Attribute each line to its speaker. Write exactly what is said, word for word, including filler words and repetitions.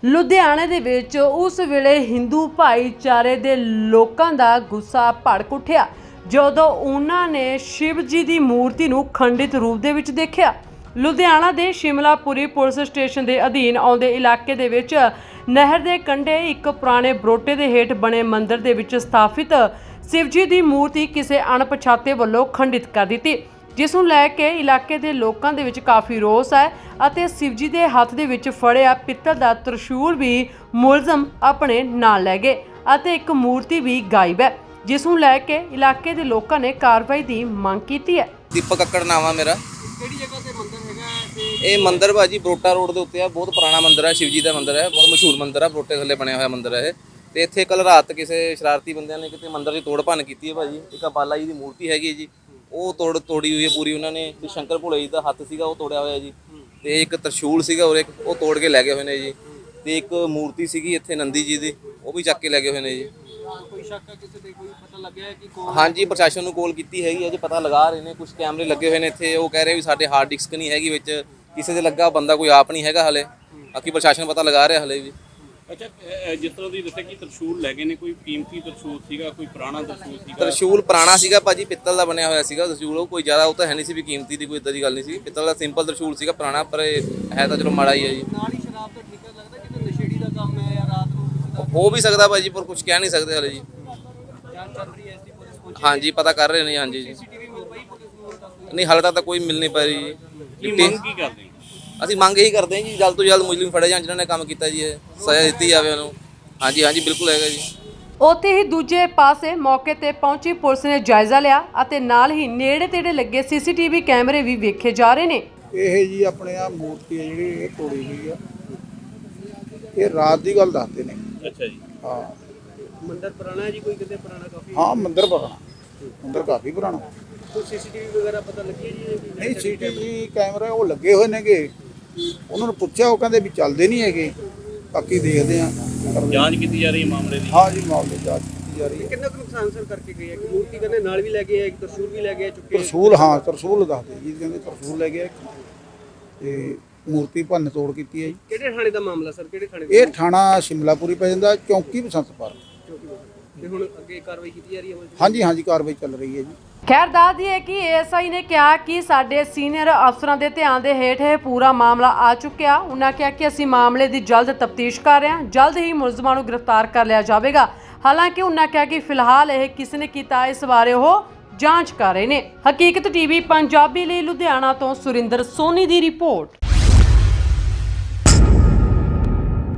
Speaker 1: ਲੁਧਿਆਣੇ ਦੇ ਵਿੱਚ ਉਸ ਵੇਲੇ ਹਿੰਦੂ ਭਾਈਚਾਰੇ ਦੇ ਲੋਕਾਂ ਦਾ ਗੁੱਸਾ ਭੜਕ ਉੱਠਿਆ ਜਦੋਂ ਉਹਨਾਂ ਨੇ ਸ਼ਿਵ ਜੀ ਦੀ ਮੂਰਤੀ ਨੂੰ ਖੰਡਿਤ ਰੂਪ ਦੇ ਵਿੱਚ ਦੇਖਿਆ। ਲੁਧਿਆਣਾ ਦੇ ਸ਼ਿਮਲਾਪੁਰੀ ਪੁਲਿਸ ਸਟੇਸ਼ਨ ਦੇ ਅਧੀਨ ਆਉਂਦੇ ਇਲਾਕੇ ਦੇ ਵਿੱਚ ਨਹਿਰ ਦੇ ਕੰਢੇ ਇੱਕ ਪੁਰਾਣੇ ਬਰੋਟੇ ਦੇ ਹੇਠ ਬਣੇ ਮੰਦਿਰ ਦੇ ਵਿੱਚ ਸਥਾਪਿਤ ਸ਼ਿਵ ਜੀ ਦੀ ਮੂਰਤੀ ਕਿਸੇ ਅਣਪਛਾਤੇ ਵੱਲੋਂ ਖੰਡਿਤ ਕਰ ਦਿੱਤੀ, ਜਿਸ ਨੂੰ ਲੈ ਕੇ ਇਲਾਕੇ ਦੇ ਲੋਕਾਂ ਦੇ ਵਿੱਚ ਕਾਫੀ ਰੋਸ ਹੈ ਅਤੇ ਸ਼ਿਵ ਜੀ ਦੇ ਹੱਥ ਦੇ ਵਿੱਚ ਫੜਿਆ ਪਿੱਤਲ ਦਾ ਤ੍ਰਿਸ਼ੂਲ ਵੀ ਮੁਲਜ਼ਮ ਆਪਣੇ ਨਾਲ ਲੈ ਗਏ ਅਤੇ ਇੱਕ ਮੂਰਤੀ ਵੀ ਗਾਇਬ ਹੈ, ਜਿਸ ਨੂੰ ਲੈ ਕੇ ਇਲਾਕੇ ਦੇ ਲੋਕਾਂ ਨੇ ਕਾਰਵਾਈ ਦੀ ਮੰਗ ਕੀਤੀ ਹੈ।
Speaker 2: ਦੀਪਕ ਕੱਕੜ ਨਾਮ ਆ ਮੇਰਾ।
Speaker 3: ਕਿਹੜੀ ਜਗ੍ਹਾ ਤੇ ਮੰਦਿਰ ਹੈਗਾ ਤੇ
Speaker 2: ਇਹ ਮੰਦਿਰ ਭਾਜੀ ਬਰੋਟਾ ਰੋਡ ਦੇ ਉੱਤੇ ਆ। ਬਹੁਤ ਪੁਰਾਣਾ ਮੰਦਿਰ ਹੈ, ਸ਼ਿਵ ਜੀ ਦਾ ਮੰਦਿਰ ਹੈ, ਬਹੁਤ ਮਸ਼ਹੂਰ ਮੰਦਿਰ ਹੈ, ਬਰੋਟੇ ਥੱਲੇ ਬਣਿਆ ਹੋਇਆ ਮੰਦਿਰ ਹੈ ਇਹ। ਤੇ ਇੱਥੇ ਕੱਲ ਰਾਤ ਕਿਸੇ ਸ਼ਰਾਰਤੀ ਬੰਦਿਆਂ ਨੇ ਕਿਤੇ ਮੰਦਿਰ ਦੀ ਤੋੜ ਭੰਨ ਕੀਤੀ ਹੈ ਭਾਜੀ। ਇੱਕ ਬਾਲਾ ਜੀ ਦੀ ਮੂਰਤੀ ਹੈਗੀ ਜੀ, ਉਹ ਤੋੜ ਤੋੜੀ ਹੋਈ ਹੈ ਪੂਰੀ ਉਹਨਾਂ ਨੇ। ਤੇ ਸ਼ੰਕਰ ਭੋਲੇ ਜੀ ਦਾ ਹੱਥ ਸੀਗਾ ਉਹ ਤੋੜਿਆ ਹੋਇਆ ਜੀ, ਤੇ ਇੱਕ ਤਰਸ਼ੂਲ ਸੀਗਾ ਔਰ ਇੱਕ ਉਹ ਤੋੜ ਕੇ ਲੈ ਗਏ ਹੋਏ ਨੇ ਜੀ। ਤੇ ਇੱਕ ਮੂਰਤੀ ਸੀਗੀ ਇੱਥੇ ਨੰਦੀ ਜੀ ਦੀ, ਉਹ ਵੀ ਚੱਕ ਕੇ ਲੈ ਗਏ ਹੋਏ ਨੇ ਜੀ।
Speaker 3: ਕੋਈ ਸ਼ੱਕ ਹੈ ਕਿਸੇ ਤੇ, ਕੋਈ ਪਤਾ ਲੱਗਿਆ ਹੈ ਕਿ ਕੌਣ?
Speaker 2: ਹਾਂਜੀ, ਪ੍ਰਸ਼ਾਸਨ ਨੂੰ ਕਾਲ ਕੀਤੀ ਹੈਗੀ ਹੈ ਜੀ, ਪਤਾ ਲਗਾ ਰਹੇ ਨੇ। ਕੁਝ ਕੈਮਰੇ ਲੱਗੇ ਹੋਏ ਨੇ ਇੱਥੇ, ਉਹ ਕਹਿ ਰਹੇ ਵੀ ਸਾਡੇ ਹਾਰਡ ਡਿਸਕ ਨਹੀਂ ਹੈਗੀ ਵਿੱਚ, ਕਿਸੇ ਦੇ ਲੱਗਾ ਬੰਦਾ ਕੋਈ ਆਪ ਨਹੀਂ ਹੈਗਾ ਹਲੇ। ਬਾਕੀ ਪ੍ਰਸ਼ਾਸਨ ਪਤਾ ਲਗਾ ਰਿਹਾ ਹਲੇ ਵੀ।
Speaker 4: ਅੱਛਾ, ਜਿਸ ਤਰ੍ਹਾਂ ਦੀ ਦੱਸਿਆ ਕਿ ਤਰਸ਼ੂਲ ਲੈ ਗਏ ਨੇ, ਕੋਈ ਕੀਮਤੀ ਤਰਸ਼ੂਲ ਸੀਗਾ, ਕੋਈ ਪੁਰਾਣਾ ਤਰਸ਼ੂਲ ਸੀਗਾ?
Speaker 2: ਤਰਸ਼ੂਲ ਪੁਰਾਣਾ ਸੀਗਾ ਭਾਜੀ, ਪਿੱਤਲ ਦਾ ਬਣਿਆ ਹੋਇਆ ਸੀਗਾ ਤਰਸ਼ੂਲ। ਉਹ ਕੋਈ ਜ਼ਿਆਦਾ ਉਹ ਤਾਂ ਹੈ ਨਹੀਂ ਸੀ ਵੀ ਕੀਮਤੀ ਦੀ ਕੋਈ ਇਦਾਂ ਦੀ ਗੱਲ ਨਹੀਂ ਸੀ। ਪਿੱਤਲ ਦਾ ਸਿੰਪਲ ਤਰਸ਼ੂਲ ਸੀਗਾ ਪੁਰਾਣਾ, ਪਰ ਇਹ ਹੈ ਤਾਂ ਚਲੋ ਮਾੜਾ ਹੀ ਹੈ ਜੀ।
Speaker 3: ਨਾਲ ਹੀ ਸ਼ਰਾਬ ਦਾ ਠੇਕਾ ਲੱਗਦਾ ਕਿ ਨਸ਼ੇੜੀ ਦਾ ਕੰਮ ਹੈ ਜਾਂ ਰਾਤ ਨੂੰ ਕਿਸੇ ਦਾ
Speaker 2: ਹੋ ਵੀ ਸਕਦਾ ਭਾਜੀ, ਪਰ ਕੁਝ ਕਹਿ ਨਹੀਂ ਸਕਦੇ ਹਲੇ ਜੀ।
Speaker 3: ਜਾਂਚ ਚੱਲ ਰਹੀ ਹੈ ਇਸ ਦੀ, ਪੁਲਿਸ ਪਹੁੰਚੀ?
Speaker 2: ਹਾਂਜੀ, ਪਤਾ ਕਰ ਰਹੇ ਨੇ। ਹਾਂਜੀ ਜੀ,
Speaker 3: ਸੀਸੀਟੀਵੀ ਮਿਲ ਪਈ ਪੁਲਿਸ ਨੂੰ ਹੁਣ ਤੱਕ?
Speaker 2: ਨਹੀਂ ਹਾਲੇ ਤੱਕ ਤਾਂ ਕੋਈ ਮਿਲ ਨਹੀਂ ਪਾ ਰਹੀ
Speaker 4: ਕੀ
Speaker 2: ਜੀ।
Speaker 4: ਮੰਗ ਕੀ ਕਰਦੇ ਹੋ?
Speaker 2: ਅਸੀਂ ਮੰਗ ਇਹੀ ਕਰਦੇ ਹਾਂ ਜੀ, ਜਲਦ ਤੋਂ ਜਲਦ ਮੁਜਰਮ ਫੜੇ ਜਾਣ ਜਿਨ੍ਹਾਂ ਨੇ ਕੰਮ ਕੀਤਾ ਜੀ, ਇਹ ਸਜ਼ਾ ਦਿੱਤੀ ਜਾਵੇ ਉਹਨੂੰ। ਹਾਂਜੀ ਹਾਂਜੀ ਬਿਲਕੁਲ ਹੈਗਾ ਜੀ।
Speaker 1: ਉੱਥੇ ਹੀ ਦੂਜੇ ਪਾਸੇ ਮੌਕੇ ਤੇ ਪਹੁੰਚੀ ਪੁਲਿਸ ਨੇ ਜਾਇਜ਼ਾ ਲਿਆ ਅਤੇ ਨਾਲ ਹੀ ਨੇੜੇ ਤੇੜੇ ਲੱਗੇ ਸੀਸੀਟੀਵੀ ਕੈਮਰੇ ਵੀ ਵੇਖੇ ਜਾ ਰਹੇ ਨੇ।
Speaker 5: ਇਹ ਜੀ ਆਪਣੇ ਆ ਮੂਰਤੀ ਹੈ ਜਿਹੜੀ ਇਹ ਤੋੜੀ ਗਈ ਆ, ਇਹ ਰਾਤ ਦੀ ਗੱਲ ਦੱਸਦੇ ਨੇ।
Speaker 4: ਅੱਛਾ ਜੀ।
Speaker 5: ਹਾਂ
Speaker 3: ਮੰਦਿਰ ਪੁਰਾਣਾ ਹੈ ਜੀ, ਕੋਈ ਕਿਤੇ ਪੁਰਾਣਾ ਕਾਫੀ?
Speaker 5: ਹਾਂ ਮੰਦਿਰ ਪੁਰਾਣਾ, ਮੰਦਿਰ ਕਾਫੀ ਪੁਰਾਣਾ।
Speaker 3: ਕੋਈ ਸੀਸੀਟੀਵੀ ਵਗੈਰਾ ਪਤਾ ਲੱਗੀ ਹੈ ਜੀ?
Speaker 5: ਨਹੀਂ ਸੀਸੀਟੀਵੀ ਕੈਮਰੇ ਉਹ ਲੱਗੇ ਹੋਏ ਨੇਗੇ, ਉਹਨਾਂ ਨੂੰ ਪੁੱਛਿਆ ਉਹ ਕਹਿੰਦੇ ਵੀ ਚੱਲਦੇ ਨਹੀਂ ਹੈਗੇ, ਬਾਕੀ ਦੇਖਦੇ ਆ।
Speaker 4: ਜਾਂਚ ਕੀਤੀ ਜਾ ਰਹੀ ਹੈ ਮਾਮਲੇ ਦੀ?
Speaker 5: ਹਾਂ ਜੀ, ਮਾਮਲੇ ਦੀ ਜਾਂਚ ਕੀਤੀ ਜਾ ਰਹੀ ਹੈ।
Speaker 3: ਕਿੰਨਾ ਕੁ ਨੁਕਸਾਨ ਸਰ ਕਰਕੇ ਗਏ ਹੈ? ਮੂਰਤੀ ਕਹਿੰਦੇ ਨਾਲ ਵੀ ਲੈ ਗਏ ਹੈ, ਇੱਕ ਤਰਸ਼ੂਲ ਵੀ ਲੈ ਗਏ ਚੁੱਕੇ?
Speaker 5: ਤਰਸ਼ੂਲ, ਹਾਂ ਤਰਸ਼ੂਲ ਦੱਸਦੇ ਜੀ, ਕਹਿੰਦੇ ਤਰਸ਼ੂਲ ਲੈ ਗਿਆ ਤੇ ਮੂਰਤੀ ਭੰਨ ਤੋੜ ਕੀਤੀ ਹੈ ਜੀ।
Speaker 3: ਕਿਹੜੇ ਥਾਣੇ ਦਾ ਮਾਮਲਾ ਸਰ, ਕਿਹੜੇ ਥਾਣੇ?
Speaker 5: ਇਹ ਥਾਣਾ ਸ਼ਿਮਲਾਪੁਰੀ ਪੈ ਜਾਂਦਾ, ਚੌਂਕੀ ਬਸੰਤ ਪਾਰਕ।
Speaker 3: ਤੇ ਹੁਣ ਅੱਗੇ ਕਾਰਵਾਈ ਕੀਤੀ ਜਾ ਰਹੀ ਹੈ?
Speaker 5: ਹਾਂਜੀ ਹਾਂਜੀ ਕਾਰਵਾਈ ਚੱਲ ਰਹੀ ਹੈ ਜੀ।
Speaker 1: ਖੈਰ ਦੱਸ ਦਈਏ ਕਿ ਏਐਸਆਈ ਨੇ ਕਿਹਾ ਕਿ ਸਾਡੇ ਸੀਨੀਅਰ ਅਫਸਰਾਂ ਦੇ ਧਿਆਨ ਦੇ ਹੇਠ ਇਹ ਪੂਰਾ ਮਾਮਲਾ ਆ ਚੁੱਕਿਆ। ਉਹਨਾਂ ਕਿਹਾ ਕਿ ਅਸੀਂ ਮਾਮਲੇ ਦੀ ਜਲਦ ਤਫਤੀਸ਼ ਕਰ ਰਹੇ ਹਾਂ, ਜਲਦ ਹੀ ਮੁਲਜ਼ਮਾਂ ਨੂੰ ਗ੍ਰਿਫਤਾਰ ਕਰ ਲਿਆ ਜਾਵੇਗਾ। ਹਾਲਾਂਕਿ ਉਹਨਾਂ ਕਿਹਾ ਕਿ ਫਿਲਹਾਲ ਇਹ ਕਿਸ ਨੇ ਕੀਤਾ ਇਸ ਬਾਰੇ ਉਹ ਜਾਂਚ ਕਰ ਰਹੇ ਨੇ। ਹਕੀਕਤ ਟੀਵੀ ਪੰਜਾਬੀ ਲਈ ਲੁਧਿਆਣਾ ਤੋਂ ਸੁਰਿੰਦਰ ਸੋਨੀ ਦੀ ਰਿਪੋਰਟ।